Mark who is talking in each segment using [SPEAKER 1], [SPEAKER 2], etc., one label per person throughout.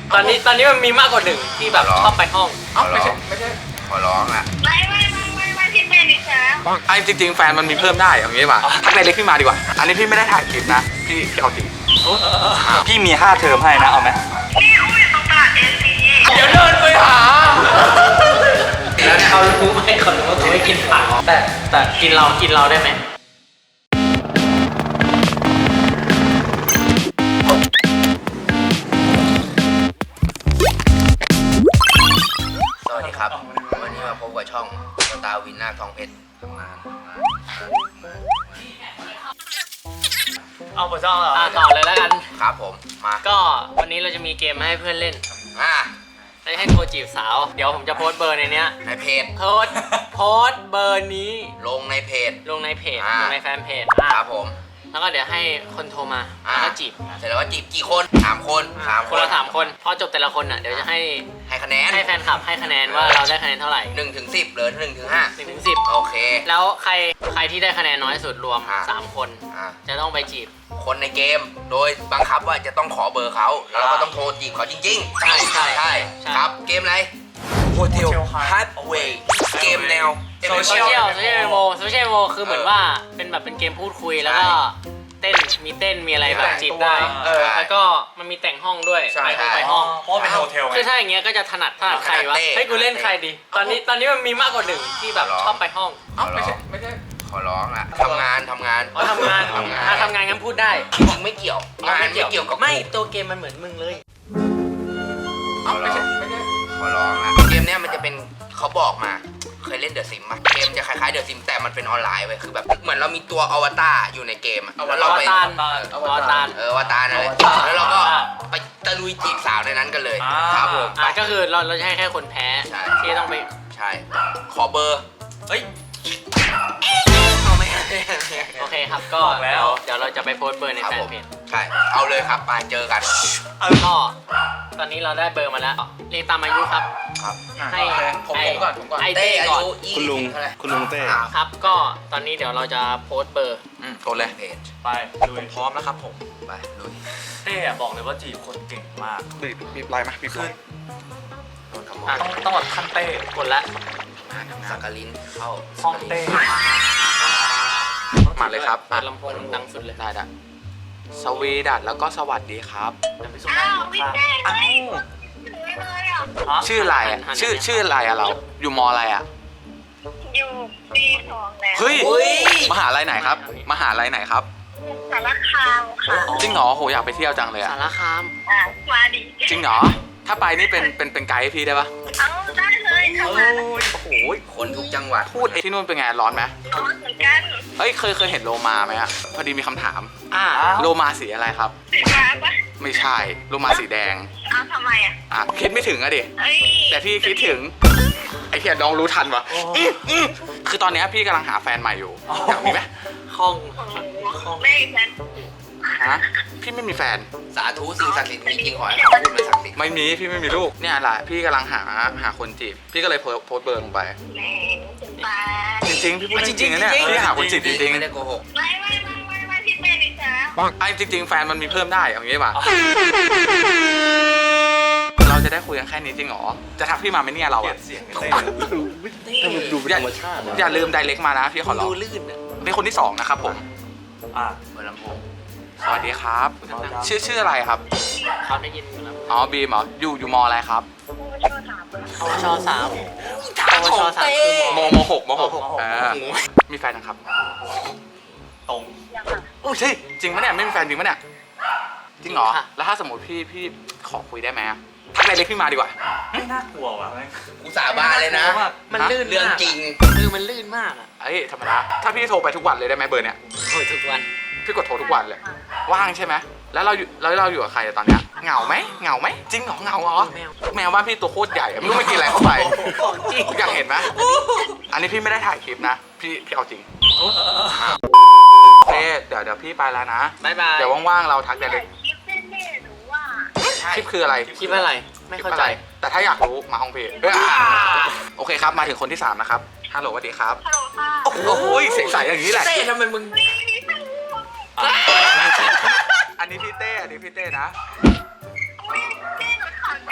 [SPEAKER 1] ตอนนี้มันมีมากกว่าหนึ่งที่แบบชอบไปห้อง
[SPEAKER 2] ไม่ใช่ขอร้องอ่ะ
[SPEAKER 3] ไม่พี่เป็นดิฉัน
[SPEAKER 2] ไอ้จริงๆแฟนมันมีเพิ่มได้อย่างนี้ป่ะทักในเล็กพี่มาดีกว่าอันนี้พี่ไม่ได้ถ่ายคลิปนะพี่เอาจริงพี่มีค่าเทอมให้นะเอาไหม
[SPEAKER 3] นี่อุ้ยตรงตลาดเอซี
[SPEAKER 2] เดี๋ยวเดินไปหา
[SPEAKER 1] แล้วเขารู้ไหมเขารู้ว่ากูไม่กินผักแต่กินเราได้ไหม
[SPEAKER 4] สวัสดีครับวันนี้มาพบกับช่องสตาร์วินหน้าทองเพชรทำงาน
[SPEAKER 1] เอาหัวช่องเหรอต่อเลยแล้วกัน
[SPEAKER 4] ครับผมมา
[SPEAKER 1] ก็วันนี้เราจะมีเกมมาให้เพื่อนเล่นให้โทรจีบสาวเดี๋ยวผมจะโพสต์เบอร์ในเนี้ย
[SPEAKER 4] ในเพจ
[SPEAKER 1] โพสต์เบอร์นี้
[SPEAKER 4] ลงในเพจ
[SPEAKER 1] ลงในแฟนเพจ
[SPEAKER 4] ครับผม
[SPEAKER 1] แล้วก็เดี๋ยวให้คนโทรมาแล้วก็จีบ
[SPEAKER 4] เสร็จแล้วก็จีบกี่คน3 คน
[SPEAKER 1] คนละ3 คนพอจบแต่ละคนอ่ะเดี๋ยวจะให้
[SPEAKER 4] คะแนน
[SPEAKER 1] ให้แฟนคลับให้คะแนนว่าเราได้คะแนนเท่าไหร่
[SPEAKER 4] 1 ถึง 10หรือ1 ถึง 5
[SPEAKER 1] 1 ถึง 10
[SPEAKER 4] โอเค
[SPEAKER 1] แล้วใครที่ได้คะแนนน้อยสุดรวม3 คนจะต้องไปจีบ
[SPEAKER 4] คนในเกมโดยบังคับว่าจะต้องขอเบอร์เขาแล้วเราก็ต้องโทรจีบเขาจริงๆใช่ครับเกมอะไรโฮเทลฮัทเวย์เกมแนว
[SPEAKER 1] โซเชียลโมคือเหมือนว่าเป็นเกมพูดคุยแล้วก็มีเต้นมีอะไรแบบจีบได้แล้วก็มันมีแต่งห้องด้วยไปห้อง
[SPEAKER 2] เพราะเป็นโฮเทล
[SPEAKER 1] คือถ้าอย่างเงี้ยก็จะถนัดใครวะให้กูเล่นใครดีตอนนี้มันมีมากกว่าหนึ่งที่แบบชอบไปห้อง
[SPEAKER 4] ไม่ใช่ขอร้องอ่ะทำงาน
[SPEAKER 1] ทำงานงั้นพูดได้
[SPEAKER 4] จริงไม่เกี่ยวงานไม่เกี่ยวกับ
[SPEAKER 1] ไม่ตัวเกมมันเหมือนมึงเลย
[SPEAKER 4] ไม่ใช่ขอร้องอ่ะเกมเนี้ยมันจะเป็นเขาบอกมาเคยเล่นเดอะซิมป่ะเกมจะคล้ายๆเดอะซิมแต่มันเป็นออนไลน์เว้ยคือแบบเหมือนเรามีตัวอวตารอยู่ในเกมแล้วเราไป
[SPEAKER 1] อวตาร
[SPEAKER 4] นั่นแหละแล้วเราก็ไปตะลุยจีบสาวในนั้นกันเลยครับผม
[SPEAKER 1] ก็คือเราจะให้แค่คนแพ้ที่ต้องไป
[SPEAKER 4] ใช่ขอเบอร์
[SPEAKER 1] เฮ้ยเอาไม่โอเคครับก็เดี๋ยวเราจะไปโพสต์เบอร์ในแฟนเพจ
[SPEAKER 4] ใช่เอาเลยครับไปเจอกัน
[SPEAKER 1] ก็ตอนนี้เราได้เบอร์มาแล้วเรียงตามอายุครับให้ผมก่อน
[SPEAKER 4] เต้ก่อน
[SPEAKER 2] คุณลุงเต้
[SPEAKER 1] ครับก็ตอนนี้เดี๋ยวเราจะโพสต์เบอร์
[SPEAKER 4] โพสเลยเพจ
[SPEAKER 2] ไปลุยพร้อมแล้วครับผม
[SPEAKER 4] ไปลุย
[SPEAKER 2] เต้บอกเลยว่าจีบคนเก่งมากบีบไลน์มาบีบขึ้นต้องแบบขั้นเต้
[SPEAKER 1] กดละ
[SPEAKER 4] สักกะลินเข้า
[SPEAKER 2] ห้องเต้มาเลยครับ
[SPEAKER 1] ลำโพงดังสุดเลย
[SPEAKER 2] ได้สวีดัตแล้วก็สวัสดีครับชื่ออะไรอ่ะชื่ออะไรอ่ะเราอยู่มออะไรอ่ะ
[SPEAKER 3] อยู่ปี2แล้ว
[SPEAKER 2] เฮ้ยมหาลัยไหนครับมหาลัยไหนครับ
[SPEAKER 3] สารคามค่ะ
[SPEAKER 2] จริงเหรอโหอยากไปเที่ยวจังเลยอ่ะ
[SPEAKER 1] สารคาม
[SPEAKER 3] มาดิ
[SPEAKER 2] จริงเหรอถ้าไปนี่เป็นไกด์ให้พี่ได้ปะ
[SPEAKER 3] ได้เลยโ
[SPEAKER 2] อ้โห
[SPEAKER 4] คนทุกจังหวัด
[SPEAKER 2] พูดที่นู่นเป็นไงร้อนไหม
[SPEAKER 3] ร้อนเหมือนกัน
[SPEAKER 2] เฮ้ยเคยเห็นโลมาไหมอ่ะพอดีมีคำถามโลมาสีอะไรครับ
[SPEAKER 3] สีฟ้าปะ
[SPEAKER 2] ไม่ใช่โลมาสีแดง
[SPEAKER 3] ทำไมอ่ะ
[SPEAKER 2] คิดไม่ถึงอะดิแต่พี่คิดถึงไอ้เหี้ยน้องรู้ทันวะคือตอนนี้พี่กำลังหาแฟนใหม่อยู่อยากมีไหม
[SPEAKER 1] ห้อง
[SPEAKER 3] ไม่แฟน
[SPEAKER 2] พี่ไม่มีแฟน
[SPEAKER 4] สาธุสิ่งศักดิ์สิทธิ์มีจริงขอให้เขาพูดมาศักดิ์สิทธิ์
[SPEAKER 2] ไม่มีพี่ไม่มีลูกเนี่ยแหละพี่กำลังหาคนจีบพี่ก็เลยโพสเบอร์ลงไปจริงๆพี่พูดจริงๆนะเนี่ยพี่หาคนจีบจริงๆ
[SPEAKER 4] ไม่ได้โกหก
[SPEAKER 3] ไม่พี่เป็นดิฉัน
[SPEAKER 2] ไอ้จริงๆแฟนมันมีเพิ่มได้อย่างนี้ป่ะเราจะได้คุยกันแค่นี้จริงหรอจะทักพี่มาไหมเนี่ยเราอะดูธรรมชาติอย่าลืมไดเรกมานะพี่ขอร้อง
[SPEAKER 1] ดูลื่น
[SPEAKER 2] เป็นคนที่2นะครับผม
[SPEAKER 4] เบอร์ลำโพง
[SPEAKER 2] สวัสดีครับชื่ออะไรครับ
[SPEAKER 1] เขาได้ยินแล้ว
[SPEAKER 2] อ๋อบีมเหรออยู่มออะไรครับ
[SPEAKER 1] ช3
[SPEAKER 2] คือม6มีแฟนนะครับตรงโอ้ยจริงปะเนี่ยไม่มีแฟนจริงปะเนี่ยจริงเหรอแล้วถ้าสมมติพี่ขอคุยได้ไหมทักไดเรกพี่มาดีกว่า
[SPEAKER 1] ไม่น่ากลัวว่ะ
[SPEAKER 4] กูสาบานเลยนะ
[SPEAKER 1] มันลื่น
[SPEAKER 4] เรื่องจริง
[SPEAKER 1] คือมันลื่นมากอ่ะ
[SPEAKER 2] ธรรมดาถ้าพี่โทรไปทุกวันเลยได้ไหมเบอร์เนี้ย
[SPEAKER 1] โอ้ยทุกวัน
[SPEAKER 2] พี่กดโทรทุกวันเลยว่างใช่ไหมแล้วเราอยู่กับใครตอนเนี้ยเหงาไหมจริงเหรอเหงาเหรอแมวบ้านพี่ตัวโคตรใหญ่ไม่รู้ไม่กินอะไรเข้าไป
[SPEAKER 1] จริง
[SPEAKER 2] อยากเห็นไหมอันนี้พี่ไม่ได้ถ่ายคลิปนะพี่เอาจริงเดี๋ยวพี่ไปแล้วนะ
[SPEAKER 1] บ๊ายบาย
[SPEAKER 2] เดี๋ยวว่างๆเราทักได้เลยคลิปคืออะไร
[SPEAKER 1] คลิปอะไรไม่เข้าใจ
[SPEAKER 2] แต่ถ้าอยากรู้มาห้องพี่โอเคครับมาถึงคนที่3นะครับฮัลโหลสวัสดีครับโอ้โหเสียงใสอย่างนี้แหละ
[SPEAKER 1] เต้ทำไมมึง
[SPEAKER 2] อันนี้พี่เต้นะ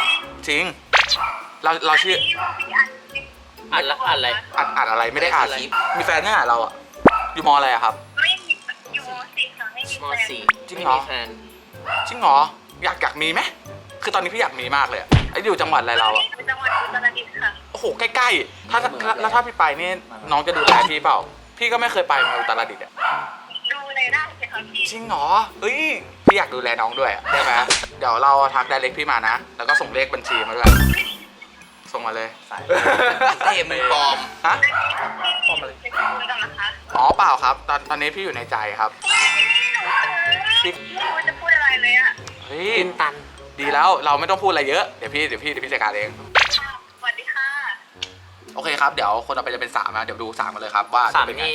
[SPEAKER 2] จริงเราชื่อ
[SPEAKER 1] อัดละอัดอะไร
[SPEAKER 2] อัดอะไรไม่ได้อัดมีแฟนเนี่ยเราอะอยู่มอะไรอะครับ
[SPEAKER 3] ไม่มีอยู่สี่ค่ะไม่มี
[SPEAKER 1] ม
[SPEAKER 3] แฟน
[SPEAKER 1] สี่
[SPEAKER 2] จริง
[SPEAKER 1] ไม่
[SPEAKER 2] เหรอ
[SPEAKER 1] มีแฟน
[SPEAKER 2] จริงเหรออยากมีไหมคือตอนนี้พี่อยากมีมากเลยอะไอ้อยู่จังหวัดอะไรเราอะ
[SPEAKER 3] จังหวัดอุตรดิตถ์ค่ะ
[SPEAKER 2] โอ้โหใกล้ๆแล้วถ้าพี่ไปนี่น้องจะดูแลพี่เปล่าพี่ก็ไม่เคยไปมาอุตรดิตถ์อะ
[SPEAKER 3] ดูเลยได้เลยค่ะพี่
[SPEAKER 2] จริงเหรอเฮ้ยพี่อยากดูแลน้องด้วยอะได้ไหมเดี๋ยวเราทักไดเรกพี่มานะแล้วก็ส่งเลขบัญชีมาด้วยส่งมาเลย
[SPEAKER 4] เต้มึงปลอม
[SPEAKER 2] ฮะ
[SPEAKER 3] จะคุยกันเหรอคะ
[SPEAKER 2] อ๋อเปล่าครับตอนนี้พี่อยู่ในใจครับ
[SPEAKER 3] ไม่รู้จะพูดอะไรเลยอ่ะ
[SPEAKER 2] เฮ้ย
[SPEAKER 1] ตื่นตัน
[SPEAKER 2] ดีแล้วเราไม่ต้องพูดอะไรเยอะเดี๋ยวพี่จัดการเอง
[SPEAKER 3] สวัสดีค่ะ
[SPEAKER 2] โอเคครับเดี๋ยวคนต่อไปจะเป็น3นะเดี๋ยวดู3มาเลยครับว่า
[SPEAKER 1] สาม
[SPEAKER 2] จะเป็นไง
[SPEAKER 1] นี่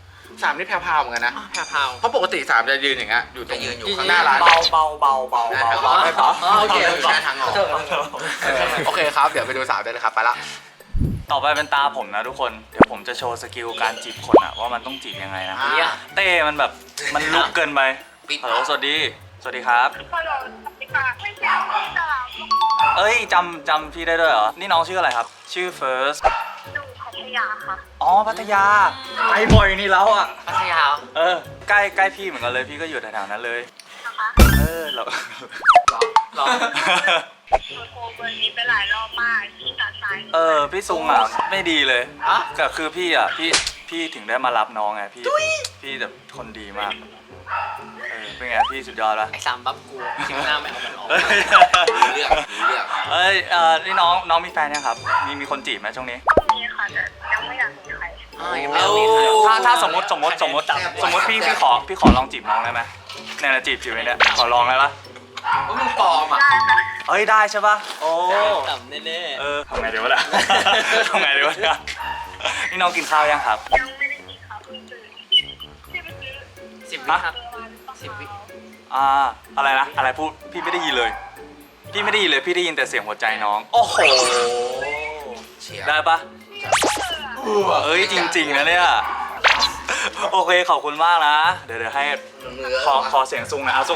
[SPEAKER 2] 3นี่แพรวๆเหมือนกันนะ
[SPEAKER 1] แพรว
[SPEAKER 2] เพราะปกติ3จะยืนอย่างเงี้ยอยู่ตรง
[SPEAKER 4] จะยืนอยู่
[SPEAKER 2] ข้างหน้าร้าน
[SPEAKER 1] เบา
[SPEAKER 2] ไม่พอ
[SPEAKER 1] โอเค
[SPEAKER 4] ใช้ทางออก
[SPEAKER 2] โอเคครับเดี๋ยวไปดู3ได้เลยครับไปละ
[SPEAKER 5] ต่อไปเป็นตาผมนะทุกคน เดี๋ยวผมจะโชว์สกิลการจีบคนอะว่ามันต้องจีบยังไงนะ
[SPEAKER 1] เนี่ย
[SPEAKER 5] เต้มันแบบมันลุกเกินไป
[SPEAKER 4] ปิด
[SPEAKER 5] ฮัลโหลสวัสดีครับ
[SPEAKER 3] ฮัลโหลสวัสดีค่ะไม่ใช่พี่สาว
[SPEAKER 5] เอ้ยจำพี่ได้ด้วยเหรอ นี่น้องชื่ออะไรครับ ชื่อเฟิร์ส
[SPEAKER 3] ดูพัทยาค่ะ
[SPEAKER 5] อ๋อพัทยาไปบ่อยนี่แล้วอ่ะ
[SPEAKER 1] พัทยา
[SPEAKER 5] เออใกล้พี่เหมือนกันเลยพี่ก็อยู่แถวๆนั้นเลย
[SPEAKER 3] นะคะ
[SPEAKER 5] เออเรา
[SPEAKER 1] หรอ
[SPEAKER 3] โทรเบอร์นี้ไปหลายรอบมากที่ตัดสาย
[SPEAKER 5] เออพี่ซุงอ่ะไม่ดีเลย
[SPEAKER 1] อะ
[SPEAKER 5] ก็คือพี่ถึงได้มารับน้องไงพี่แบบคนดีมากเออเป็นไงพี่สุดยอดปะ
[SPEAKER 1] ไอ้สามบัฟกูคิวหน้าไม่เอามันออก
[SPEAKER 4] เลือกเลือก
[SPEAKER 5] เอ้ยนี่น้องมีแฟนยังครับ มีคนจีบไหมช่วงนี้
[SPEAKER 3] ก็มีค่ะแต่ยังไม่อยากมีใคร
[SPEAKER 1] ยังไม่เอามีใคร
[SPEAKER 5] ถ้าสมมติพี่ขอลองจีบน้องได้ไหมเนี่ยนะจีบเลยเนี่ยขอลองได้ปะ
[SPEAKER 4] ว่ามึงปลอมอ่ะ
[SPEAKER 3] ได้ค่ะ
[SPEAKER 5] เอ้ยได้ใช่ปะโอ้
[SPEAKER 1] ต่ำแน่
[SPEAKER 5] เออทำไงดีวะเนี่ย ทำไงดีวะเนี่ยนี่น้องกินข้าวยังครับ
[SPEAKER 3] ยังไม่ได้มีค่ะเพิ่งซื้อที่ไปซื้อ
[SPEAKER 1] ๆ10 วิครับ 10 วิ
[SPEAKER 5] อะไรนะอะไรพูดพี่ไม่ได้ยินเลย พี่ไม่ได้ยินเลยพี่ได้ยินแต่เสียงหัวใจน้อง โอ้โห
[SPEAKER 4] เชียร์
[SPEAKER 5] ได้ปะเอ้ยจริงๆนะเนี่ยโอเคขอบคุณมากนะ เดี๋ยวให้ขอเสียงซุงหนะเอาซุง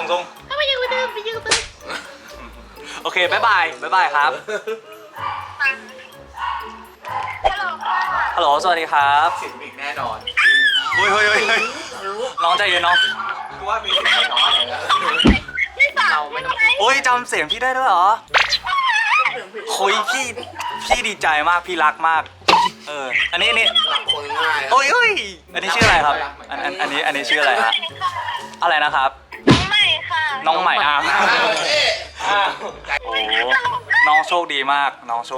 [SPEAKER 5] โอเคบ๊ายบายครับ
[SPEAKER 3] ฮัลโหลค่ะ
[SPEAKER 5] ฮัลโหลสวัสดีครับ
[SPEAKER 2] สิบอีกแน่นอน
[SPEAKER 5] เฮ้ยน้องใจเย็นน้อง
[SPEAKER 2] กูว่ามีสิทธิ์น้อยเลยนะ
[SPEAKER 3] พี่สาวไม่ใช่
[SPEAKER 5] โอ้ยจำเสียงพี่ได้ด้วยเหรอคุยพี่ดีใจมากพี่รักมากอันนี้
[SPEAKER 4] คนง่าย
[SPEAKER 5] โอ้ยอันนี้ชื่ออะไรครับอันนี้ชื่ออะไรฮะอะไรนะครับ
[SPEAKER 3] น้องใหม่ค่ะ
[SPEAKER 5] น้องใหม่อ่ะ
[SPEAKER 1] อ้าว
[SPEAKER 5] โอ้น้องโชคดีมาก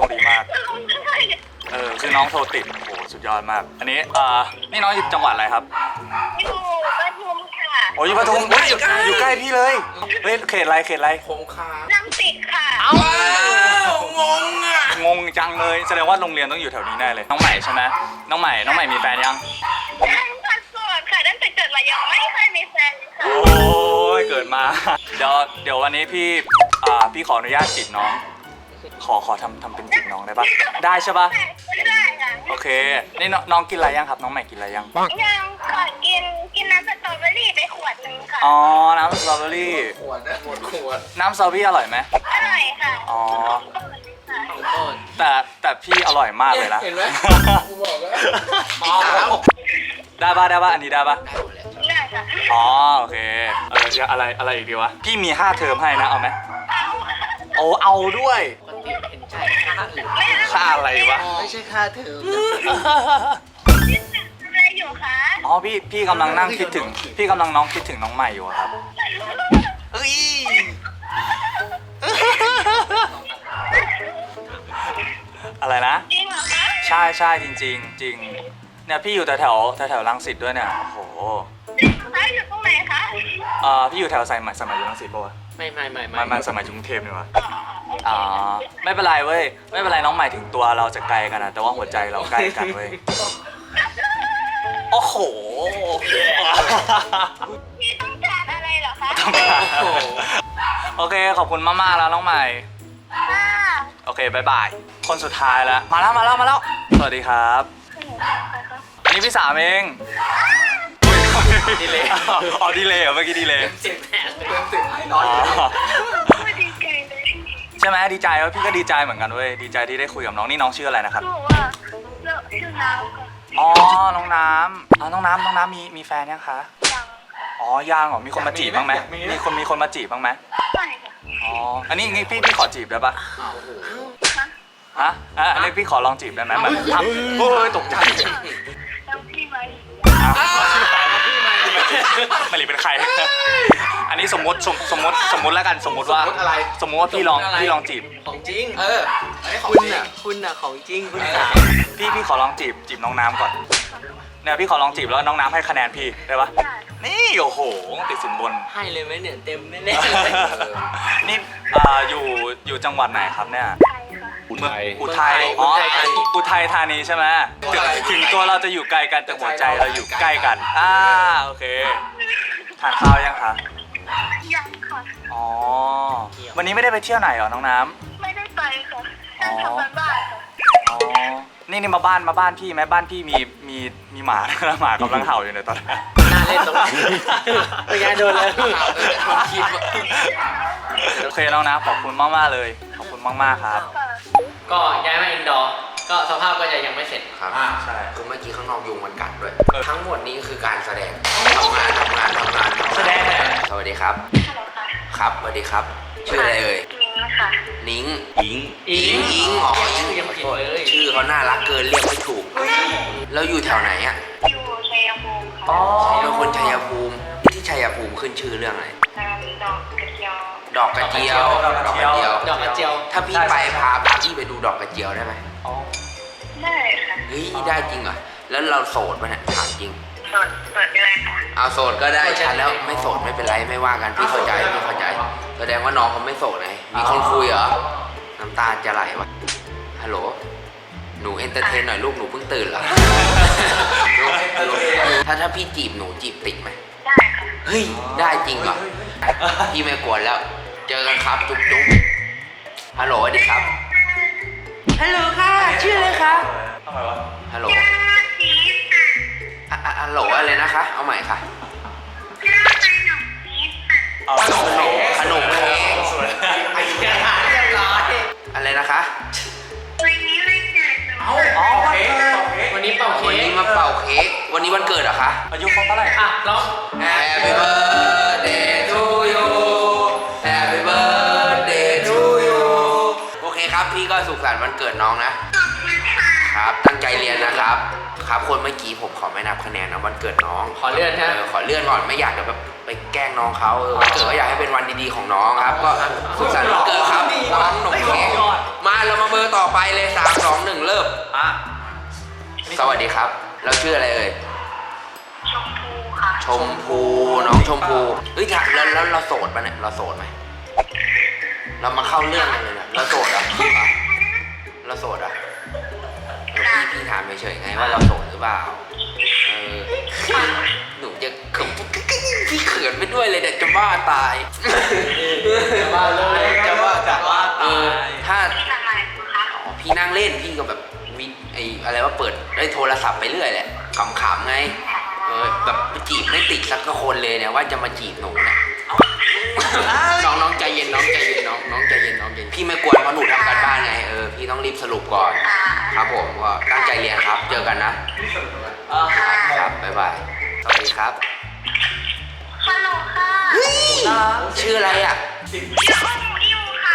[SPEAKER 5] คือน้องโทรติดโอ้สุดยอดมาก อันนี้นี่น้องอยู่จังหวัดอะไรครับ
[SPEAKER 3] อยู่ปทุมค่ะ
[SPEAKER 5] โอ้ยอยู่ปทุมอยู่ใกล้พี่เลยเฮ้ยเขตอะไร
[SPEAKER 4] คงคา
[SPEAKER 3] น้ำติดค่ะ
[SPEAKER 5] เอ้า
[SPEAKER 4] งงอ่ะ
[SPEAKER 5] งงจังเลยแสดงว่าโรงเรียนต้องอยู่แถวนี้แน่เลยน้องใหม่ใช่ไหมน้องใหม่มีแฟนยัง
[SPEAKER 3] ยังพัดโสดค่ะตั้งแต่เกิดมายังไม่เคยมีแฟนค่ะ
[SPEAKER 5] โอ้ยเกิดมา เดี๋ยววันนี้พี่ขออนุญาตจีบน้องขอทำเป็นจีบน้องได้ปะได้ใช่ปะ
[SPEAKER 3] ไม่ได้ค่ะ
[SPEAKER 5] โอเคนี่น้องกินอะไรยังครับน้องใหม่กินอะไรยัง
[SPEAKER 3] ยังก่อนกินน้ำสตรอเบอรี่ไปขวดนึงค่ะ
[SPEAKER 5] อ๋อน้ำสตรอเบอรี่
[SPEAKER 2] ขวดนะขวด
[SPEAKER 5] น้ำสตรอเบอรี่อร่อยไหม
[SPEAKER 3] อร่อยค่ะ
[SPEAKER 5] อ๋อ
[SPEAKER 1] โทษ
[SPEAKER 5] แต่พี่อร่อยมากเลยนะ
[SPEAKER 2] เห็นไหมกูบอกแล้ว
[SPEAKER 5] ได้ปะอันนี้ได้ปะ
[SPEAKER 3] ได้ค่ะ
[SPEAKER 5] อ๋อโอเคจะอะไรอีกดีวะพี่มี5เทอมให้นะเอาไหม
[SPEAKER 3] เอา
[SPEAKER 5] โอ้เอาด้วย
[SPEAKER 1] ปกติเห็นใจค่าอื่น
[SPEAKER 5] ค่าอะไรวะ
[SPEAKER 1] ไม่ใช่ค่าเทอม
[SPEAKER 3] อะไรอยู่คะ
[SPEAKER 5] อ๋อพี่กำลังนั่งคิดถึงพี่กำลังคิดถึงน้องใหม่อยู่อะครับเอ้ยอะไรนะ
[SPEAKER 3] จริงเหรอคะ
[SPEAKER 5] ใช่จริงเนี่ยพี่อยู่แถวรังสิตด้วยเนี่ยโอ้โห
[SPEAKER 3] คะอยู่ตรงไหนคะ
[SPEAKER 5] พี่อยู่แถวสมัยอยู่รังสิตปะวะ
[SPEAKER 1] ไม่
[SPEAKER 5] มันสมัยกรุงเทพนี่วะอ๋อไม่เป็นไรเว้ยไม่เป็นไรน้องใหม่ถึงตัวเราจะไกลกันนะแต่ว่าหัวใจเราใกล้กันเว้ยโอ้โห
[SPEAKER 3] พี่ต้องการอะไรเหรอคะ
[SPEAKER 5] โอเคขอบคุณมากๆแล้วน้องใหม่
[SPEAKER 3] ค่ะ
[SPEAKER 5] โอเคบายบายคนสุดท้ายแล้วมาแล้วสวัสดีครับ อันนี้พี่สามเอง
[SPEAKER 1] ดีเลย
[SPEAKER 5] อ๋อดีเลยเหรอเมื่อกี้ดีเลย
[SPEAKER 1] 10 แผลเลย
[SPEAKER 2] เต็ม10ให้น้อย
[SPEAKER 5] อ๋อ
[SPEAKER 3] ไม่ดีใจเลย
[SPEAKER 5] ใช่ช่ไหมดีใจว่าพี่ก็ดีใจเหมือนกันเว้ยดีใจที่ได้คุยกับน้องนี่น้องชื่ออะไรนะครับ
[SPEAKER 3] หนูว่าเลอะชื่อน้ำค่ะ
[SPEAKER 5] อ๋อน้องน้ำน้องน้ำมีแฟนยังคะ
[SPEAKER 3] ยัง
[SPEAKER 5] อ๋อยังเหรอมีคนมาจีบบ้างไหมมีคนมาจีบบ้างไหม
[SPEAKER 3] ไม่ค่ะ
[SPEAKER 5] อ๋ออันนี้งี้พี่ขอจีบได้ปะ
[SPEAKER 3] ฮะ
[SPEAKER 5] อันนี้พี่ขอลองจีบได้ไหมแบบทำโอ้ยตกใจ
[SPEAKER 3] แล้วพี่ไหม
[SPEAKER 5] มารีเป็นใคร อันนี้สมมติแล้วกันสมมติว่า
[SPEAKER 2] อะไร
[SPEAKER 5] สมมติว่าพี่ลองจีบ
[SPEAKER 1] ของจริง
[SPEAKER 2] เอออันนี้ของ
[SPEAKER 1] คุณ
[SPEAKER 2] จริง
[SPEAKER 1] อ่ะคุณอ่ะของจริงคุณสาว
[SPEAKER 5] พี่ขอลองจีบน้องน้ำก่อนเนี่ยพี่ขอลองจีบแล้วน้องน้ำให้คะแนนพี่ได้ปะ
[SPEAKER 3] ได้
[SPEAKER 5] นี่โอ้โหติดสินบน
[SPEAKER 1] ให้เลยไหมเนี่ยเต็มแน่ๆเลย
[SPEAKER 5] นี่อยู่จังหวัดไหนครับเนี่ย
[SPEAKER 3] ใครค่ะ
[SPEAKER 5] อุทัยอ๋ออุทัยธานีใช่ไหมถึงตัวเราจะอยู่ไกลกันแต่หัวใจเราอยู่ใกล้กันโอเคทานข้าวยังคะ
[SPEAKER 3] ยังค่ะ
[SPEAKER 5] อ๋อวันนี้ไม่ได้ไปเที่ยวไหนเหรอน้องน้ำ
[SPEAKER 3] ไม่ได้ไปค่ะนั่งทำงานบ้านค่ะ
[SPEAKER 5] อ๋อนี่มาบ้านพี่ไหมบ้านพี่มีหมา หมากำลังเห่าอยู่ในตอนนี้
[SPEAKER 1] น่าเล่นตรงนี้เป็นไงโดนแล้ว
[SPEAKER 5] โอเคน้องน้ำขอบคุณมากๆเลยขอบคุณมากๆครับ
[SPEAKER 3] ค่ะ
[SPEAKER 1] ก็ย้ายมาอินดอร์ก็สภาพก็จะยังไม่เสร็จ
[SPEAKER 4] ครับ
[SPEAKER 5] ใช่
[SPEAKER 4] คือเมื่อกี้ข้างนอกยุงมันกัดด้วย
[SPEAKER 5] เออ
[SPEAKER 4] ทั้งหมดนี้คือการแสดงทำงาน
[SPEAKER 1] แสดงอะไร
[SPEAKER 4] สวัสดีครับ
[SPEAKER 3] ฮัลโหลค่ะ
[SPEAKER 4] ครับสวัสดีครับ ชื่ออะไรเอ่ย
[SPEAKER 3] นิ้งค่ะ
[SPEAKER 4] นิ้ง
[SPEAKER 5] อิง
[SPEAKER 4] อิงอ๋อ
[SPEAKER 1] ชื่อยังผิดเลย
[SPEAKER 4] ชื่อเขาน่ารักเกินเรียกไม่ถูก แล้วอยู่แถวไหนอ่ะ
[SPEAKER 3] อยู่ชัยภูมิค่ะ
[SPEAKER 4] เป็นคนชัยภูมิที่ชัยภูมิขึ้นชื่อเรื่องอะไร
[SPEAKER 3] ดอกกระเจียว
[SPEAKER 4] ดอกกระเจียว
[SPEAKER 1] ดอกกระเจียว
[SPEAKER 4] ถ้าพี่ไปพาพี่ไปดูดอกกระเจียวได้ไหม
[SPEAKER 5] อ๋อ
[SPEAKER 3] ได้ค่ะ
[SPEAKER 4] เฮ้ยได้จริงเหรอแล้วเราโสดปะเนี่ยถามจริง
[SPEAKER 3] สดอะไรค่ะ
[SPEAKER 4] เอาโสดก็ได้ฉันแล้วไม่โสดไม่เป็นไรไม่ว่ากันพี่เข้าใจแสดงว่าน้องเขาไม่โสดไงมีคนคุยเหรอน้ำตาจะไหลวะฮัลโหลหนูเอนเตอร์เทนหน่อยลูกหนูเพิ่งตื่นเหรอ ถ้าพี่จีบหนูจีบติดไหม
[SPEAKER 3] ได้ค่ะ
[SPEAKER 4] เฮ้ยได้จริงเหรอพี่ไม่กวนแล้ว เจอกันครับจุ๊บจุ๊บฮัลโหลสวัสดีครับฮัลโหลค่ะชื่ออะไรคะ
[SPEAKER 5] ทำไมวะ
[SPEAKER 4] ฮัลโหล
[SPEAKER 3] ชีส
[SPEAKER 4] ฮัลโหลอะไรนะคะ เอาใหม่ค่ะ
[SPEAKER 3] ชื่อขนมชีสค่ะ
[SPEAKER 5] เอา
[SPEAKER 4] ขนมเค้ก
[SPEAKER 1] อย่าถามเรียบร้อย
[SPEAKER 4] อะไรนะคะ
[SPEAKER 3] วันนี้วันเกิดหนู
[SPEAKER 5] อ๋อโอเค
[SPEAKER 1] วันนี้เป่า
[SPEAKER 4] วัน
[SPEAKER 1] เค้
[SPEAKER 4] นี้
[SPEAKER 1] ก
[SPEAKER 4] มาเป่าเค้กวันนี้วันเกิดเหรอคะ
[SPEAKER 5] อายุเขาเท่าไหร่
[SPEAKER 1] อ่ะร้อง
[SPEAKER 4] Happy birthday to you Happy birthday to you โอเคครับพี่ก็สุขสันต์วันเกิดน้องนะ
[SPEAKER 3] ขอบคุณค่ะ
[SPEAKER 4] ครับตั้งใจเรียนนะครับ ครับคนเมื่อกี้ผมขอไม่นับคะแนนนะวันเกิดน้อง
[SPEAKER 1] ขอเลื่อนฮะ
[SPEAKER 4] ขอเลื่อนก่อนไม่อยากจะแบบไปแกล้งน้องเขาวันเกิดก็อยากให้เป็นวันดีๆของน้องครับ ก็สุขสันต์วันเกิดครับน้องหนุ่มเค้กมาเรามาเบอร์ต่อไปเลย3 2 1เริ่ม
[SPEAKER 5] อ่ะ
[SPEAKER 4] สวัสดีครับเราชื่ออะไรเอ่ย
[SPEAKER 3] ชมพูค่ะ
[SPEAKER 4] ชมพูน้องชมพูเฮ้ยแล้วเราโสดปะเนี่ยเราโสดไหมเรามาเข้าเรื่องกันเลยนะเราโสดอ่ะเราโสดอ่ะพี่ถามเฉยๆไงว่าเราโสดหรือเปล่าหนูจะเขินพี่เขินไปด้วยเลยเดี๋ยวจะบ้าตาย
[SPEAKER 1] จะบ้าเลยจะบ้าจะบ้าตาย
[SPEAKER 4] ถ้า
[SPEAKER 3] ที่ทำอะไรคะ
[SPEAKER 4] พี่นั่งเล่นพี่ก็แบบวิไออะไรว่าเปิดได้โทรศัพท์ไปเรื่อยแหละขำๆไงแบบไปจีบไม่ติดสักคนเลยเนี่ยว่าจะมาจีบหนูนะน้องใจเย็นน้องใจเย็นน้องใจเย็นพี่ไม่กวนเพราะหนูทำการบ้านไงพี่ต้องรีบสรุปก่อน ครับผมก็ตั้งใจเรียนครับเจอกันนะครับบ๊ายบายสวัสดีครับ
[SPEAKER 3] ฮัลโหลค่ะ
[SPEAKER 4] ชื่ออะไรอ่ะ
[SPEAKER 3] ชื่ออิวค่ะ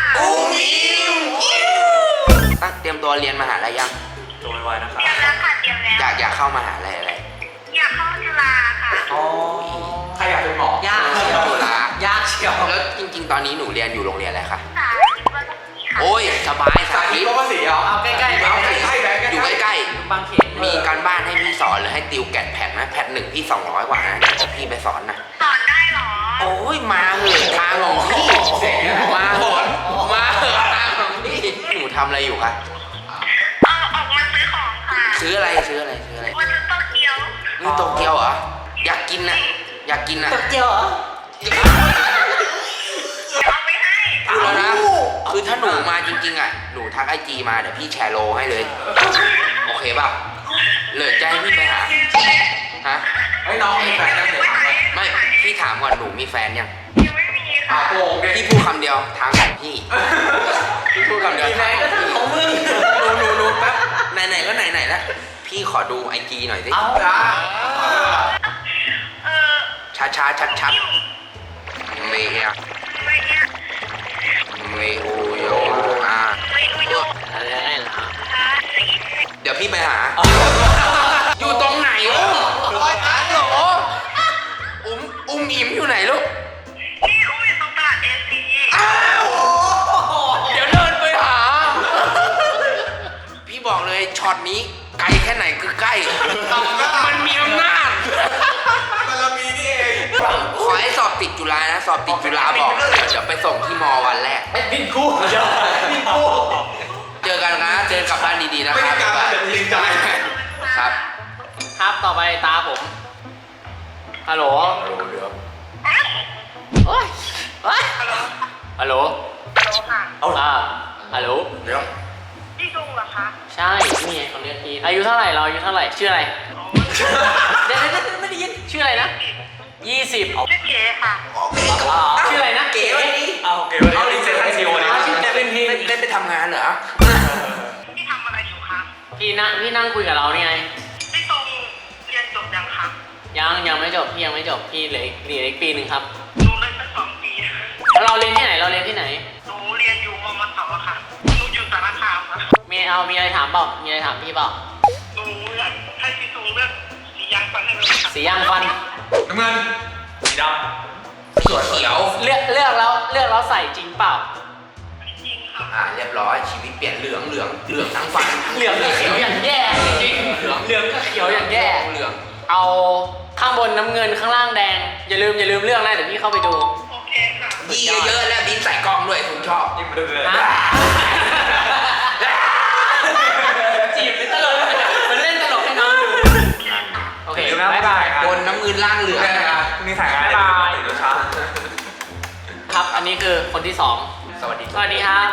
[SPEAKER 4] ตั้งเตรียมตัวเรียนมหาลัยยัง
[SPEAKER 5] ตัวไวๆนะครับ
[SPEAKER 3] เตรียมแล้วค่ะเตรียมแล้ว
[SPEAKER 4] อยากเข้ามหาลัยอะไร
[SPEAKER 3] อยากเข้าจุฬาค่ะ
[SPEAKER 2] ใครอยากเป็นหมอย
[SPEAKER 1] ากเชียว
[SPEAKER 4] จุฬาย
[SPEAKER 1] ากเชียว
[SPEAKER 4] แล้วจริง ๆ ตอนนี้หนูเรียนอยู่โรงเรียนอะไรคะ
[SPEAKER 3] สาธิตวัฒนีค่ะ
[SPEAKER 4] โอ้ยสบายสาธิต
[SPEAKER 2] ก็ว่าสีเหรอ
[SPEAKER 1] เอาใกล้ๆ
[SPEAKER 2] เอาใกล้ๆแบบ
[SPEAKER 4] อยู่ใกล้
[SPEAKER 1] บางเขน
[SPEAKER 4] ๆมีการบ้านให้พี่สอนหรือให้ติวแกดแพดนะแพด1พี่200กว่านะเดี๋ยวพี่ไปสอนนะ
[SPEAKER 3] สอนได้เหรอ
[SPEAKER 4] โอ้ยมาเหอะทางของพี่มาเหอะทางของพี่หนูทำอะไรอยู่คะ
[SPEAKER 3] ออกมาซื้อของค่ะ
[SPEAKER 4] ซื้ออะไร
[SPEAKER 3] มาซื้อโตเกียว
[SPEAKER 4] นี่โตเกียวเหรออยากกินนะอยากกินนะ
[SPEAKER 1] ตกเจียวเหรอ
[SPEAKER 3] เอาไปให้
[SPEAKER 4] พูดแล้วนะคือถ้าหนูมาจริงๆอ่ะหนูทักIGมาเดี๋ยวพี่แชร์โลให้เลยโอเคป่ะเหลือใจพี่ไปหาฮะ
[SPEAKER 2] เฮ้ยน้องมีแฟนยังเดี๋ยวถามเลย
[SPEAKER 4] ไม่พี่ถามก่อนหนูมีแฟนยัง
[SPEAKER 3] ยังไม่มีค่ะ
[SPEAKER 2] โป่งดิ
[SPEAKER 4] พี่พูดคำเดียวทางของพี่พี่พูดคำเดียว
[SPEAKER 1] มีแฟนก็ทำของมึง
[SPEAKER 4] หนูแป๊บไหนๆก็ไหนๆแล้วพี่ขอดูไอจีหน่อยสิ ช้าชัดเมียเมโอโย
[SPEAKER 1] อะไรเหรอ
[SPEAKER 4] เดี๋ยวพี่ไปหา อยู่ตรงไหนลูกฮัลโหลอุ้มอิ่มอยู่ไหนลูก
[SPEAKER 3] นี่อุ้ยตรงตลาดเอซี
[SPEAKER 4] อ้าวเดี๋ยวเดินไปหา พี่บอกเลยช็อตนี้ไกลแค่ไหนคือใกล้ มันมีอำนาจ ขอให้สอบติดจุฬานะ สอบติดจุฬาบอกเดี๋ยวไปส่งที่มอวันแรก
[SPEAKER 1] บินคู่เดี๋ยวบินคู่
[SPEAKER 4] เจอกันนะ เจอกับบ้านดีๆนะครับครับ
[SPEAKER 1] ครับต่อไปตาผมฮัลโหลโอ้ยฮัลโหล
[SPEAKER 3] ฮัลโหลค่ะ
[SPEAKER 1] ฮัลโหล
[SPEAKER 3] พี่ดุงเหรอคะ
[SPEAKER 1] ใช่นี่ไงเขาเรียกพี่อายุเท่าไหร่เราอายุเท่าไหร่ชื่ออะไรเดี๋ยวไม่ได้ยินชื่ออะไรนะ20
[SPEAKER 3] ชื่อเก๋ค่ะ
[SPEAKER 1] ชื่ออะไรนะเก๋
[SPEAKER 5] เอาเก๋วันนี้เซ็นให้ซีโอเลย
[SPEAKER 1] ชื่อเก๋เป็นพี่
[SPEAKER 4] ได้ไปทำงานเหรอ
[SPEAKER 3] พี่ทำอะไรอยู่คะ
[SPEAKER 1] พี่นั่งคุยกับเรานี่ไง
[SPEAKER 3] พี่ตรงเรียนจบยังคะ
[SPEAKER 1] ยังไม่จบพี่ยังไม่จบพี่เหลืออีกปีหนึ่งครับ
[SPEAKER 3] หนูเรียนตั้ง2 ปี
[SPEAKER 1] เราเรียนที่ไหนเราเรียนที่ไหน
[SPEAKER 3] หนูเรียนอยู่มมสค่ะหนูอยู่สารคามค่ะ
[SPEAKER 1] มีอะไรถามเปล่ามีอะไรถามพี่เปล่า
[SPEAKER 3] หนูอยากให้พี่ตรงเลือกสียางฟันให้หนูค่ะ
[SPEAKER 1] สียางฟัน
[SPEAKER 5] น้ำเงินสีด
[SPEAKER 4] สีเขียว
[SPEAKER 1] เลือกแล้วใส่จริงเปล่า
[SPEAKER 3] จริงค่ะ
[SPEAKER 4] เรียบร้อยชีวิตเปลี่ยนเหลืองทั้งฟัน
[SPEAKER 1] เหลืองกับเขียวอย่างแย่จริงๆเหลืองกับเขียวอย่างแย่
[SPEAKER 4] เหลือง
[SPEAKER 1] เอาข้างบนน้ำเงินข้างล่างแดงอย่าลืมเรื่องนะเดี๋ยวพี่เข้าไปดู
[SPEAKER 3] โอเคค่ะ
[SPEAKER 4] ดีเยอะๆแล้วบินใส่กล้องด้วยผมชอบ
[SPEAKER 5] ำนี่มันเรื่อย
[SPEAKER 1] ฮะจีบเป็นตลกมันเล่นตลกให้น้องดูโอเคบ๊ายบาย
[SPEAKER 4] บนน้ำเงินล่างเหลือง
[SPEAKER 5] ๆนี่ถ่ายงานได้ตื่นเช้า
[SPEAKER 1] ครับอันนี้คือคนที่สอง
[SPEAKER 4] สวัสดี
[SPEAKER 1] สวัสดีครับ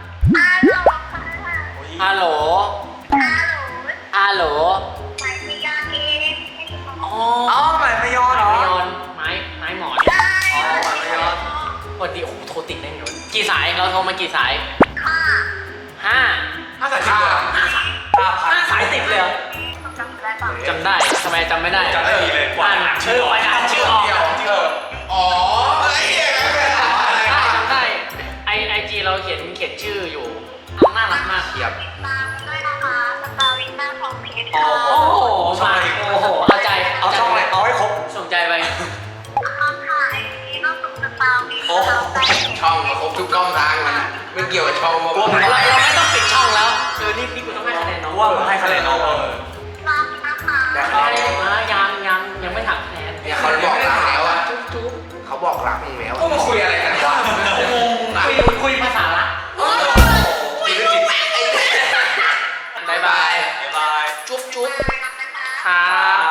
[SPEAKER 3] ฮัลโหลค่ะ
[SPEAKER 1] ฮัลโหล
[SPEAKER 3] ฮัลโหล
[SPEAKER 1] ฮัลโหล
[SPEAKER 3] หมายถึงยาเอง
[SPEAKER 1] อ๋อ
[SPEAKER 5] อ๋อหมายไม่ยอเหรอ
[SPEAKER 1] ไม้ยอนไม้หมอน
[SPEAKER 3] ใช่
[SPEAKER 5] อ๋อหมายไม่ยอ
[SPEAKER 1] สวัสดีโอ้โหโทรติดได้ไงวะกี่สายเราโทรมากี่สาย
[SPEAKER 3] ค่ะ
[SPEAKER 1] ห้า
[SPEAKER 5] 5 สายติดเลย
[SPEAKER 1] ห้าสายติดเลยเหรอ
[SPEAKER 3] จำได้ป่ะ
[SPEAKER 1] จำได้ทำไมจำไม่ได้
[SPEAKER 5] จำได้ดีเลย
[SPEAKER 1] อ่านชื่อออกอ่านชื่อออก
[SPEAKER 4] อ๋อไอ้เหี้ย
[SPEAKER 1] ได้จำได้ไอจีเราเขียนชื่ออยู่น่ารักมาก
[SPEAKER 4] เทียบ
[SPEAKER 3] ติดตามด้วยนะคะสตาร์วินหน้าของเพจ
[SPEAKER 1] โอ้
[SPEAKER 3] ค่ะ
[SPEAKER 1] โหมาโอ้โหเอาใจ
[SPEAKER 5] เอาช่องอะไรเอาให้ครบ
[SPEAKER 1] สนใจไป
[SPEAKER 3] ค่ะไอจีก็สุดสตาร์วิน
[SPEAKER 5] โอ้
[SPEAKER 3] เราได้
[SPEAKER 4] ช่องครบทุกช่องทางมันไม่เกี่ยวกับช่อง
[SPEAKER 5] กลัวมึง
[SPEAKER 1] เราไม่ต้องปิดช่องแล้วนี่กูต้องให้คะแนนน้อง
[SPEAKER 5] ว่ามึงให้คะแนนน้อง
[SPEAKER 3] รักนะคะ
[SPEAKER 4] แต่
[SPEAKER 1] ไม่ได้มายังไม่ถามคะแนน
[SPEAKER 4] เนี่ยเขาบอกรักแล้วอะเขาบอกรักมึงแล้ว
[SPEAKER 5] ก็มาคุยอะไรกันวะ
[SPEAKER 1] คุยภาษาละ
[SPEAKER 5] คุยเรื่องจิต
[SPEAKER 1] บายบาย
[SPEAKER 5] บ๊ายบาย
[SPEAKER 4] จุ๊บ
[SPEAKER 1] ครับ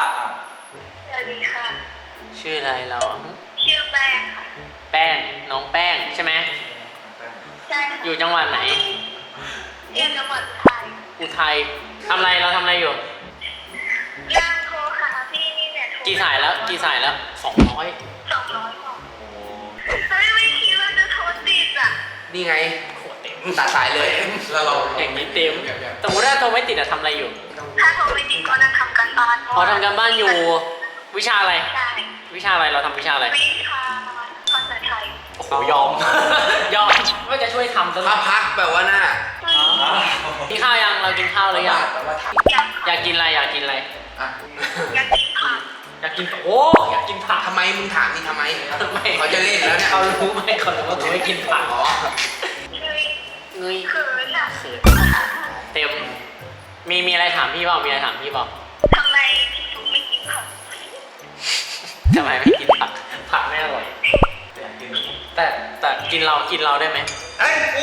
[SPEAKER 3] สวัสดีค่ะ
[SPEAKER 1] ชื่ออะไรเรา
[SPEAKER 3] ชื่อแป้งค่ะ
[SPEAKER 1] แป้งน้องแป้งใช่ไหม
[SPEAKER 3] ใช่ค่ะ
[SPEAKER 1] อยู่จังหวัดไหน
[SPEAKER 3] เรียนจังหวัดไทย
[SPEAKER 1] อุทัยทำอะไรเราทำอะไรอยู่
[SPEAKER 3] ย่างโทรหาพี่นี่เนี่ยโทร
[SPEAKER 1] กี่สายแล้ว200
[SPEAKER 3] 200กว่าเฮ้ยไม่คิดว่าจะโทรติดอ่ะ
[SPEAKER 4] นี่ไงตัดสายเลยแล้วเรา
[SPEAKER 1] อย่างนี้เต็มสมมติถ้าโทรไม่ติดอะทำอะไรอยู่
[SPEAKER 3] ถ้าโทรไม่ติดก็นั่งทำกันบ้าน
[SPEAKER 1] พอทำการบ้านอยู่วิชาอะไร
[SPEAKER 3] ใช่
[SPEAKER 1] วิชาอะไรเราทำวิชาอะไร
[SPEAKER 3] วิชาภาษาไทย
[SPEAKER 1] โอ้โหยอม ยอมว่าจะช่วยทำซะหน่
[SPEAKER 4] ถ้า
[SPEAKER 1] อย
[SPEAKER 4] พักแบบว่าหน้า
[SPEAKER 1] กินข้าวยังเรากินข้าวหรือยัง
[SPEAKER 4] แปลว่าถาม
[SPEAKER 1] อยากกินอะไรอยากกินอะไร
[SPEAKER 4] อ่ะ
[SPEAKER 3] อยากกินผัก
[SPEAKER 1] อยากกินโอ้อยากกินผัก
[SPEAKER 4] ทำไมมึงถามนี่ทำไม
[SPEAKER 1] ไม่
[SPEAKER 4] เขาจะเล่นแล้วเนี่ย
[SPEAKER 1] เขารู้ไหมเขารู้ว่ากูไม่กินผัก
[SPEAKER 4] อ๋อ
[SPEAKER 3] เฮ้ย
[SPEAKER 1] เงย
[SPEAKER 3] เขินอ่ะ
[SPEAKER 1] เขินเต็มมีอะไรถามพี่เปล่ามีอะไรถามพี่เปล่า
[SPEAKER 3] ทำไมพี่ทุกไม่กินผัก
[SPEAKER 1] ทำไมไม่กินผักผักไม่อร่อยแต่กินเราได้ไหม
[SPEAKER 5] เฮ้ยกู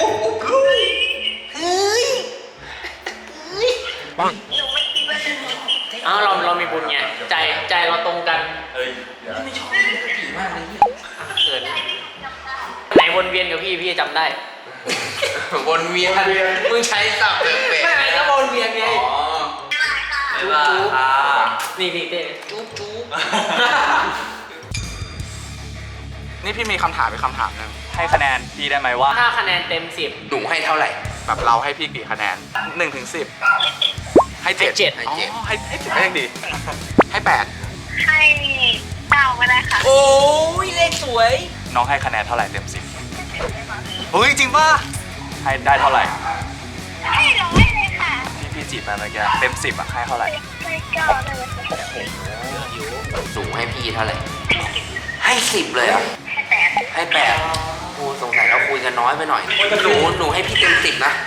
[SPEAKER 3] หนูไม่คิดว่าจะโทรติด
[SPEAKER 1] อ้าวเรามีบุญไงใจเราตรงกัน
[SPEAKER 5] เฮ้ย
[SPEAKER 4] ไม่ชอบผีมากเลยเนี่ย
[SPEAKER 1] เขิน
[SPEAKER 3] ได้ไม่จำได้
[SPEAKER 1] ไหนวนเวียนกับพี่จำได้
[SPEAKER 4] วนเวียนมึงใช้ศัพท์เป๊ะ
[SPEAKER 1] ไม่ก็วนเวียนไง
[SPEAKER 4] ๆอ๋อ
[SPEAKER 3] ไม่เป็นไรค่ะ
[SPEAKER 1] จุ๊บ
[SPEAKER 5] ค่ะ
[SPEAKER 1] นี่เต้
[SPEAKER 4] จุ๊บ
[SPEAKER 2] นี่พี่มีคำถามอีกคำถามหนึง
[SPEAKER 5] ให้คะแนนพี่ได้ไหมว่า
[SPEAKER 1] ถ้าคะแนนเต็ม
[SPEAKER 4] หนูให้เท่าไหร่
[SPEAKER 2] แบบเราให้พี่กี่คะแนน1 ถึง 10ให้7
[SPEAKER 1] ให้เจ็ด
[SPEAKER 2] อ๋อให้7ก็ยังดีให้8
[SPEAKER 3] ให้เก้าก็ได้ค่ะ
[SPEAKER 4] โอ้ยเลขสวย
[SPEAKER 5] น้องให้คะแนนเท่าไหร่เต็ม
[SPEAKER 2] เฮ้ยจริงป่ะ
[SPEAKER 5] 10ให้ได้เท่าไหร่
[SPEAKER 3] ให้ร้อยเลยค่ะ
[SPEAKER 5] พี่จีบมาเมื่อกี้เต็ม 10อ่ะให้เท่าไหร่
[SPEAKER 3] ให้เก้าได้เลยค่ะ
[SPEAKER 4] หนูให้พี่เท่าไหร่ ให้10เลยเหรอ่ะ
[SPEAKER 3] ให้แปด
[SPEAKER 4] ให้8โอ้สงสัยเราคุยกันน้อยไปหน่อยหนูให้พี่เต็ม10นะ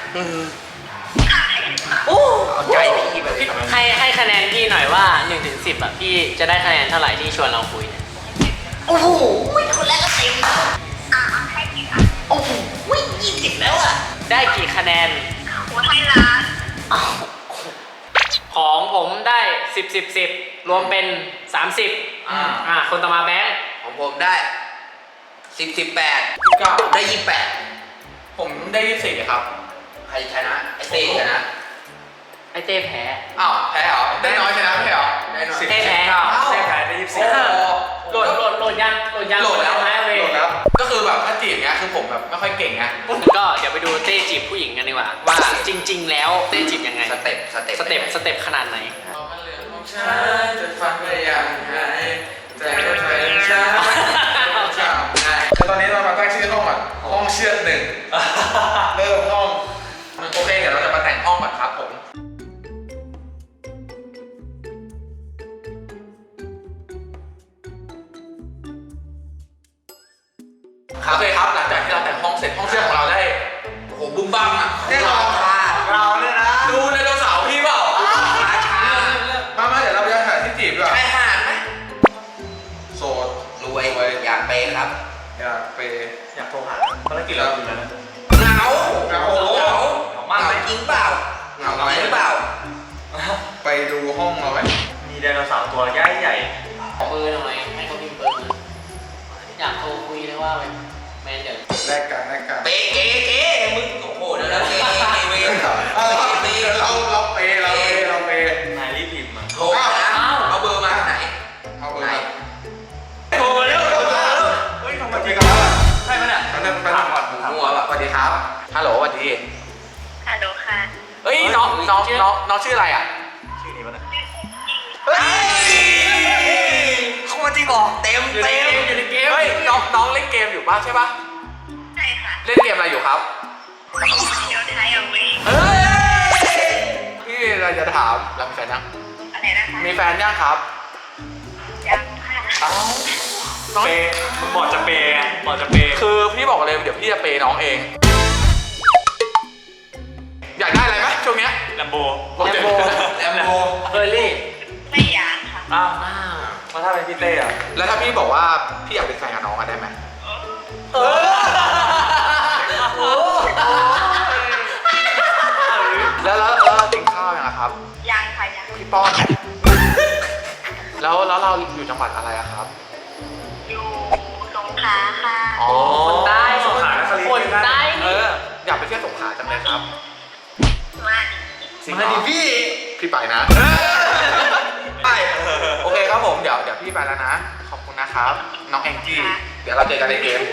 [SPEAKER 4] โอ้เอาใจพี่แบบนี้
[SPEAKER 1] ๆให้คะแนนพี่หน่อยว่า1 ถึง 10อ่ะพี่จะได้คะแนนเท่าไหร่ที่ชวนเราคุยเนี่ย
[SPEAKER 3] โอ้โหคนแรกก็เต็มให้กี่ค่ะโอ้โห20แล้วอ่ะ
[SPEAKER 1] ได้กี่คะแนน
[SPEAKER 3] โอ้ให้ล้าน
[SPEAKER 1] ของผมได้10 รวมเป็น30คนต่อมาแบงค์
[SPEAKER 4] ของผมได้18ได้28
[SPEAKER 2] ผมได้24ครับ
[SPEAKER 4] ใครชนะไอเต้ชนะ
[SPEAKER 1] ไอเต้แพ้
[SPEAKER 2] อ้าวแพ้เหรอได้น้อยชนะไม่ใช่เหรอ
[SPEAKER 4] ได้น้อย
[SPEAKER 1] เต้แพ้
[SPEAKER 5] เต้แพ้ได้
[SPEAKER 1] โหลดยัง
[SPEAKER 2] โหลดแล้ว
[SPEAKER 1] โหลดแล้ว
[SPEAKER 2] ก็คือแบบถ้าจีบเงี้ยคือผมแบบไม่ค่อยเก่งไง
[SPEAKER 1] ก็เดี๋ยวไปดูเต้จีบผู้หญิงกันดีกว่า ว่าจริง ๆ แล้วเต้จีบยังไง
[SPEAKER 4] สเต็ป
[SPEAKER 1] สเต็ปขนาดไหน
[SPEAKER 2] ฉันจะฟังไปอย่างไรแต่ก็ใจฉันคือตอนนี้เรามาตั้งชื่อห้องก่อนห้องเชือด1เริ่มห้องโอเคเดี๋ยวเราจะมาแต่งห้องก่อนครับผมโอเคครับหลังจากที่เราแต่งห้องเสร็จห้องเชือดของเราได้
[SPEAKER 4] โอ้โหบุ้มบั้มอ่ะ
[SPEAKER 2] แน่นอน
[SPEAKER 5] เราเนี่ยนะ
[SPEAKER 2] ดูไดโนเสาร์พี่เปล่า
[SPEAKER 4] ราชา
[SPEAKER 2] มาเดี๋ยวเราไปหาที่จีบด้วย
[SPEAKER 4] ใครหาดไหม
[SPEAKER 2] โสด
[SPEAKER 4] รวยอยากเปย์ครับ
[SPEAKER 2] อยากไป
[SPEAKER 5] อยากโทรหาภารกิจเราอยู่แล้วนะ
[SPEAKER 4] เหงา
[SPEAKER 2] เหงา
[SPEAKER 4] เหงาจริงเปล่าเหงาไหมหรือเปล่า
[SPEAKER 2] ไปดูห้องเราไหม
[SPEAKER 5] มีไดโนเสาร์ตัวใหญ่ใหญ่
[SPEAKER 1] ขอเบอร์หน่อยให้เขาพิมพ์เบอร์มาอยากโทรคุยเลยว่าไปแมนเดี๋ยว
[SPEAKER 2] แลกกัน
[SPEAKER 4] เปย์เก๋มึงโอ้โหเดี๋ยวเก๋เว้ย
[SPEAKER 2] เราเปย์
[SPEAKER 5] นายรีบพิมพ์มา
[SPEAKER 4] โทรนะเอาเบอร์มาไหน
[SPEAKER 2] เอาเบอ
[SPEAKER 4] ไหน
[SPEAKER 2] ร์
[SPEAKER 5] โทรเร็วเฮ้ยทำไมจริงกันใช่ไหมเนี่ย
[SPEAKER 2] ไปทำก่อนหัวแบบสวัสดีครับฮัลโหลสวัสดี
[SPEAKER 3] ฮัลโหลค่ะ
[SPEAKER 2] เฮ้ยน้องชื่ออะไรอ่ะ
[SPEAKER 5] ชื่อนี้วะเนี่ย
[SPEAKER 2] เฮ้ย
[SPEAKER 4] เขามาจริงเหรอเต็ม
[SPEAKER 1] อยู่ในเกม
[SPEAKER 2] เฮ้ยน้องเล่นเกมอยู่ป่ะใช่ป่ะ
[SPEAKER 3] ใช่ค่ะ
[SPEAKER 2] เล่นเกมอะไรอยู่ครับ
[SPEAKER 3] เดี๋ยวไทยเอาไว้
[SPEAKER 2] เฮ้ยพี่เราจะถามเรามีแฟนยัง
[SPEAKER 3] อะไรนะคะ
[SPEAKER 2] มีแฟนยังครับ
[SPEAKER 3] ยังค่ะ
[SPEAKER 2] อ้าวน้อง
[SPEAKER 5] เปย์มึงบอกจะเปย์ไงบอกจะเปย์
[SPEAKER 2] คือพี่บอกเลยเดี๋ยวพี่จะเปย์น้องเอง อยากได้อะไรไหมช่วงเนี้ย
[SPEAKER 5] แลมโบ
[SPEAKER 2] แลมโบ
[SPEAKER 1] เฟอร์รี่
[SPEAKER 3] ไม่อยากค่ะ
[SPEAKER 5] อ้าว
[SPEAKER 1] อ้าว
[SPEAKER 5] มาถ้าเป็นพี่เต้อะ
[SPEAKER 2] แล้วถ้าพี่บอกว่าพี่อยากเป็นแฟนกับน้องอะได้ไหมแล้วกินข้าวยังอะครับ
[SPEAKER 3] ยังค่ะยัง
[SPEAKER 2] พี่ป้อนแล้วเราอยู่จังหวัดอะไรอะครับ
[SPEAKER 3] อยู่สงขลาค่ะ
[SPEAKER 2] อ๋อ
[SPEAKER 1] คนใต้
[SPEAKER 5] สงขลานครินทร์
[SPEAKER 1] คนใต้
[SPEAKER 2] เอออยากไปเที่ยวสงขลาจังเลยครับ
[SPEAKER 3] มา
[SPEAKER 2] จริงเหรอพี่ไปนะไปโอเคครับผมเดี๋ยวพี่ไปแล้วนะขอบคุณนะครับน้องแองจี้เดี๋ยวเราเจอกันในเกม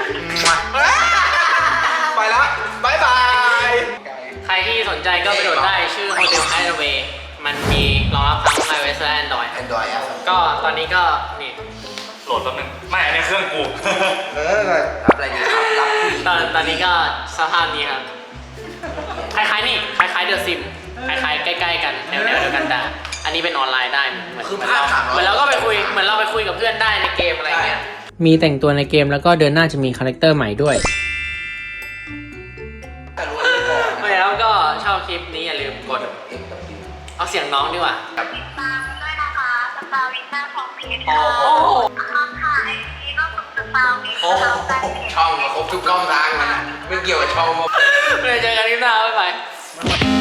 [SPEAKER 2] ไปแล้วบายบาย
[SPEAKER 1] ใครที่สนใจก็ไปโหลดได้ชื่อ Hotel Hideaway มันมีรองรับทั้ง iOS และ Android
[SPEAKER 4] แอนดรอยอ่ะ
[SPEAKER 1] ก็ตอนนี้ก็นี่
[SPEAKER 5] โหลดแป๊บนึงไม่อันนี้เครื่องกู
[SPEAKER 4] รับอะไรดีครับรับผู้หญิง
[SPEAKER 1] ตอนนี้ก็สภาพนี้ครับ คล้ายๆนี่ คล้ายๆเดอะซิม คล้ายๆใกล้ๆกันแนวเดียวกันแต่อันนี้เป็นออนไลน์ได้เหมือนเราก็ไปคุยเหมือนเราไปคุยกับเพื่อนได้ในเกมอะไรเงี้ย มีแต่งตัวในเกมแล้วก็เดือนหน้าจะมีคาแรคเตอร์ใหม่ด้วย แล้วก็ชอบคลิปนี้อย่าลืมกด เอาเสียงน้องดีกว่า
[SPEAKER 3] ติดตามด้วยนะคะสตาร์วินหน้าของเพจ
[SPEAKER 1] โอ้
[SPEAKER 3] ค่ะ
[SPEAKER 1] โห
[SPEAKER 3] ค่ะไอจีก็คือสตาร์วินสตาร์แฟนเพจ
[SPEAKER 4] ช่องมาครบทุกช่องทางมันไม่เกี่ยวกับช่อง
[SPEAKER 1] เดี๋ยวเจอกันคลิปหน้าบ๊ายบาย